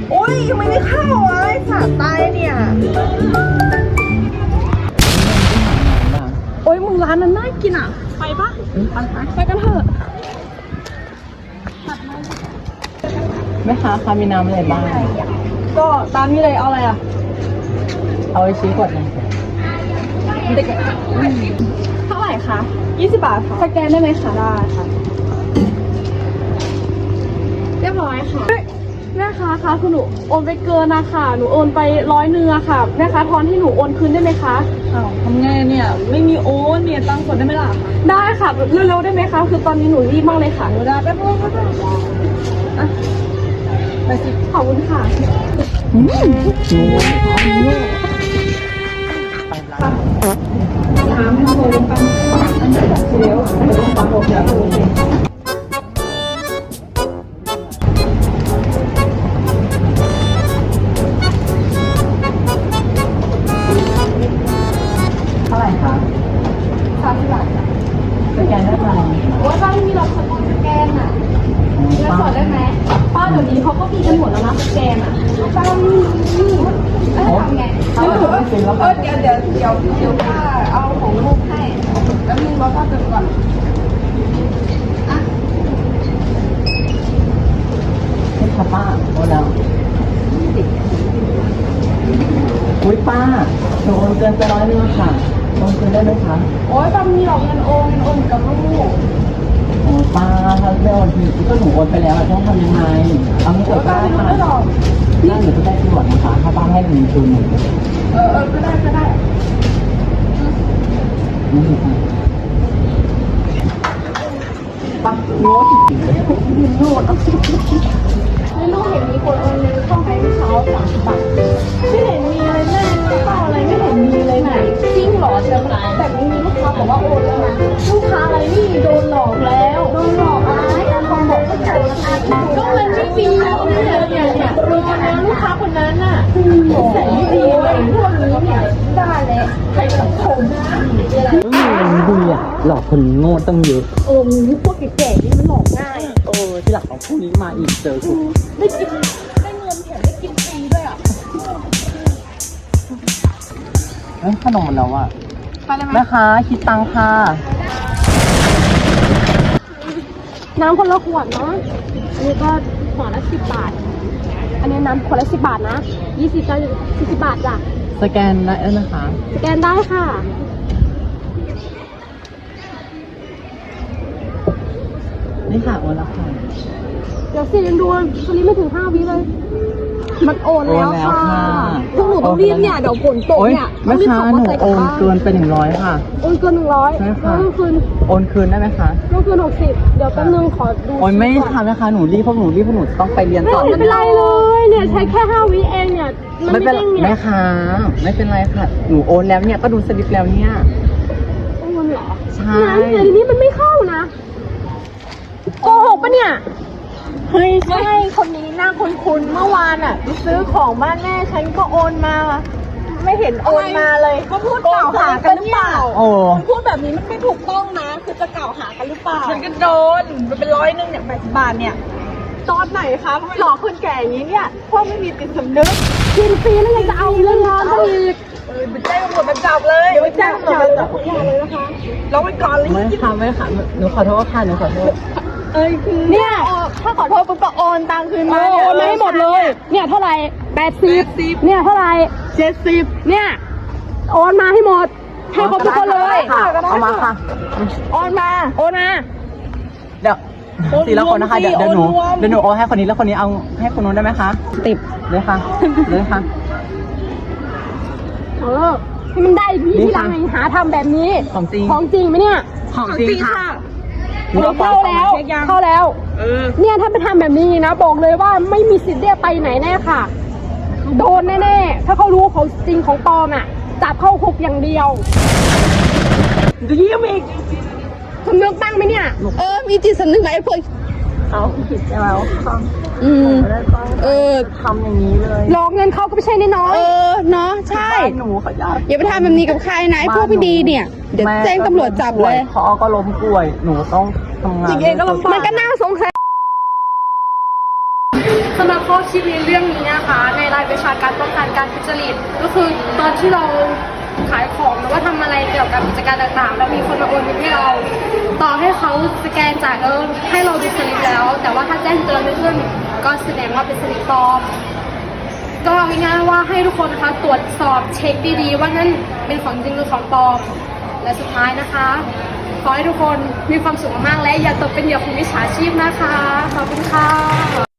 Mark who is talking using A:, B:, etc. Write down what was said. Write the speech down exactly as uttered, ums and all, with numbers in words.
A: โอ้ยยังไม่ได้เข้าเลยสาตายเนี่ยโอ้ยมึงร้านนั้นน่ากินอ่ะไปปะไปไปกันเถอะ
B: แม่ค้าคะมีน้ำอะไรบ้าง
A: ก็ตามนี้เลยเอาอะไรอ่ะ
B: เอาไอชี้กดหนึ่ง
A: เด็กเท่าไหร่คะยี่สิบบาทค่ะสแกนได้ไหมคะได้ค่ะเรียบร้อยค่ะแม่ค้าคะคือหนูโอนไปเกินนะคะหนูโอนไปร้อยเนื้อค่ะแม่ค้าทอนให้หนูโอนคืนได้ไหมคะอ้าวทำไงเนี่ยไม่มีโอนเนี่ยตังค์สดได้ไหมล่ะได้ค่ะเร็วๆได้ไหมคะคือตอนนี้หนูรีบมากเลยค่ะหนูได้แป๊บนึงก็ได้อ่ะไปสิขอบคุณค่ะ
B: อืมโง่ไปร้าน
A: ถามให้โอนไปอันนี้แบบเดี๋ยวไปลงฟังโอนแล้วโอน
B: เท่าไหร่คะ
A: สามสิบบาทจ้ะ
B: สแกนได้ไหม
A: โอ้ยป้าไม่มีหรอกสแกนอ่ะเงินสดได้ไหมป้าเดี๋ยวนี้เขาก็มีกันหมดแล้วนะสแกนอ่ะป้าไม่มีแล้วทำไงเออเออเดี๋ยวเดี๋ยวเดี๋ยวเดี๋ยวป้าเอาของลูกให้แล้วมึงรอป้าเติมก่อนอ่ะ
B: นี่ค่ะป้าโอนแล้วอุ้ยป้าหนูโอนเกินไปร้อยนึงค่ะโอนคืนได้ไหมคะ
A: โอ้ยป้ามีหรอกเงินโอนเงินโอนกับลูก
B: โอ้ป้าถ้าไม่โอนทีก็หนูโอนไปแล้วต้องทำยังไงเอาไม่เกิดได้ค่ะนั่นหนูจะได้ตรวจนะคะถ้าป้าให้เงินคืนหนู
A: เออเออก็ได้ก็ได้
B: นี่ค่ะป้าโง่จริงๆเลย
A: โง่เอาสิไม่รู้เห็นมีคนโอนเงินเข้าให้เช้าสามสิบบาทไม่เห็นมีอะไรแม่เป้าอะไรไม่เห็นมีเลยไหนจริงหรอเชียวนะแต่มีลูกค้าบอกว่าโอนแล้วนะลูกค้าอะไรนี่โดนหลอกแล้วโดนหลอกอะไรทองบอกก็จ่ายราคาก็เงินไม่มีแล้วเนี่ยเนี่ยเนี่ยรอนะลูกค้าคนนั้นน่ะใส่ไม่ดีเลยพวกนี้เนี่ยได้เลยใครสังคม
B: เออดูอ่ะหลอกคนโง่ต้องเยอะ
A: เออมีพวกแก่ๆนี่มันหลอกง่าย
B: โอ้ที่หลังของพวกนี้มาอีกเจอกู
A: ได้กินได้เงินแถมได้กินฟรีด้วยอ่ะ
B: เอ้ยขนมหมดแล้วอ่ะแม่ค้าคิดตังค่ะ
A: น้ำคนละขวดเนาะอันนี้ก็ขวดละสิบบาทอันนี้น้ำขวดละสิบบาทนะยี่สิบก็สี่สิบบาทจ้ะ
B: สแกนได้แล้วนะคะ
A: สแกนได้ค่ะ
B: นี่ค่ะโอนแล้วค่ะ
A: เดี๋ยวสิยังดูตอนนี้ไม่ถึงห้าวิเลยมันโอนแล้วค่ะพวกหนูต้องรีบเนี่ยเดี๋ยวฝนตกเนี่ย
B: แม่ค้าหนูโอนเกินไปหนึ่งร้อยค่ะ
A: โอนเกินหนึ่งร้อย
B: ใช่ค่ะ
A: คืน
B: โอนคืนได้ไหมคะ
A: โอนคืนหกสิบเดี๋ยวแป๊บนึงขอดู
B: โอนไม่ค่ะแม่ค้าหนูรีบพวกหนูรีบพวกหนูต้องไปเรียนต่อ
A: ไม่เป็นไรเลยเนี่ยใช้แค่ห้าวิเองเนี่ย
B: ไม่เป็นแม่ค้าไม่เป็นไรค่ะหนูโอนแล้วเนี่ยก็ดูสลิปแล้วเนี่ย
A: โอนเหรอ
B: ใช่
A: เดี๋ยวนี้มันไม่เข้านะโกหกปะเนี่ย
C: เฮ้ยใช่คนนี้หน้าคุ้นๆเมื่อวานอ่ะไปซื้อของบ้านแม่ฉันก็โอนมาไม่เห็นโอนมาเลย
A: ก็พูดกล่าวหากันหรือเปล่า
B: โอ้
A: พูดแบบนี้มันไม่ถูกต้องนะคือจะกล่าวหากันหรือเปล่า
C: ฉันก็โดนมันเป็นร้อยนึงเนี่ยแปดสิบบาทเนี่ย
A: ตอนไหนคะ
C: หลอกคนแก่อย่างนี้เนี่ยพวกไม่มีจิตสำนึก
A: กินฟรีแล้วยังจะเอาเรื่องงานเขาอีก
C: เออไปแจ้งตำรวจมาจับเลย
A: เดี๋ยวไปแจ้งตำรวจมาจับคุณยายเลยนะคะ
C: เราไปก่อนเลย
B: ไม่ค่ะไม่ค่ะหนูขอโทษค่ะหนูขอโทษ
A: เอ้ยคือ
C: เนี่ยถ้าขอโทษปุ๊บก็โอนตังคืนมา
A: โอนมาให้หมดเลยเนี่ยเท่าไหร่แปดสิบเนี่ยเท่าไหร่
C: เจ็ดสิบ
A: เนี่ยโอนมาให้หมดให้ครบทุกคนเลย
B: เอามาค่ะ
A: โอนมาโอนมา
B: เดี๋ยวทีละคนนะคะเดี๋ยวเดี๋ยวหนูเดี๋ยวหนูโอนให้คนนี้แล้วคนนี้เอาให้คนนู้นได้ไหมคะ
A: ติด
B: เลยค่ะเลยค่ะ
A: เออให้มันได้พี่ที่หลังหาทำแบบนี้
B: ของจริง
A: ของจริงไหมเนี่ย
B: ของจริงค่ะ
A: เข้าแล้วเข้าแล้วเนี่ยถ้าไปทำแบบนี้นะบอกเลยว่าไม่มีสิทธิ์ได้ไปไหนแน่ค่ะโดนแน่ๆถ้าเขารู้เขาจริงของปลอมอ่ะจับเข้าคุกอย่างเดียว
C: จะยิ้มอีก
A: สำนึกบ้างไหมเนี่ย
C: เออมีจิตสำนึกไหมพวก
B: เอาผิดแล้ว
A: อืมเออ
B: ทำอย่างนี้เลย
A: หลอกเงินเขาก็ไม่ใช่น้อย
C: เออเนาะใช่
B: หนูขอ
C: อย่าไปทำแบบนี้กับใครนะไอ้พวกไม่ดีเนี่ยเดี๋ยวแจ้งตำรวจจับเลย
B: พอก็ล้มป่วยหนูต้องทำงาน
C: จริงๆก็ลำบาก
A: มันก็น่าสงสัยสำหรับข้อคิดในเรื่องนี้นะคะ ในรายวิชาการป้องกันการทุจริตก็คือตอนที่เราขายของหรือว่าทำอะไรเกี่ยวกับกิจการต่างๆ แล้วมีคนมาโอนเงินให้เรา ต่อให้เขาสแกนจ่ายเออให้เราดูสลิปแล้ว แต่ว่าถ้าแจ้งเตือนไม่ขึ้นก็แสดงว่าเป็นสลิปปลอม ก็เอาง่ายๆว่าให้ทุกคนนะคะตรวจสอบเช็คดีๆ ว่านั่นเป็นของจริงหรือของปลอม และสุดท้ายนะคะ ขอให้ทุกคนมีความสุขมากๆและอย่าตกเป็นเหยื่อของมิจฉาชีพนะคะ ขอบคุณค่ะ